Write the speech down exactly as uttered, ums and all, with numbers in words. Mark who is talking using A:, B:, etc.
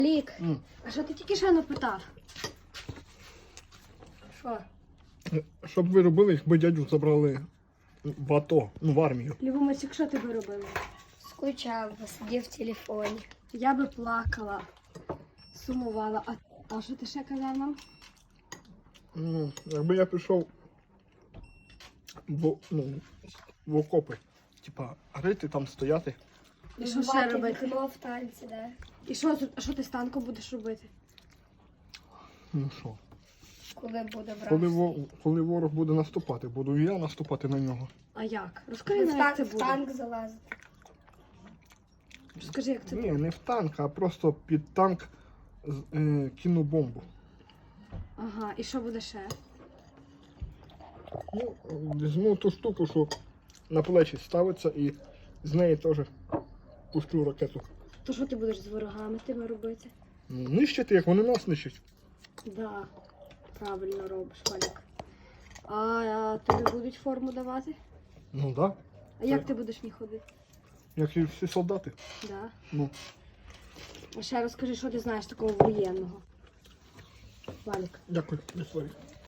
A: Лік,
B: М.
A: а що ти тільки що не питав? Що?
B: Що б ви робили, якби дядю забрали в АТО, ну в армію?
A: Любомець, що ти би робила?
C: Скучав, посидів в телефоні.
A: Я би плакала, сумувала. А, а що ти ще казав нам?
B: Ну, якби я пішов в, ну, в окопи, типа, рити там стояти.
A: І що ще
C: Бати
A: робити?
C: вікно в танці, да.
A: І що, а що ти з танком будеш робити?
B: Ну що?
C: Коли буде брат.
B: Коли, во- коли ворог буде наступати, буду і я наступати на нього.
A: А як? Розкажи
C: В
A: нам, як
C: танк,
A: це
C: в
A: буде.
C: танк залазити.
A: Розкажи, як це
B: Ні,
A: буде.
B: не в танк, а просто під танк з- е, кину бомбу.
A: Ага, і що буде ще?
B: Ну, візьму ту штуку, що на плечі ставиться, і з неї теж пущу ракету.
A: То що ти будеш з ворогами тими робити?
B: Ну, нищити, як вони нас нищать.
A: Да, правильно робиш, Валік. А, а тобі будуть форму давати?
B: Ну так, да,
A: А як
B: Так.
A: ти будеш в ній ходити?
B: як і всі солдати.
A: Да.
B: Ну,
A: А ще розкажи, що ти знаєш такого воєнного. Валік.
B: дякую, Вікторія.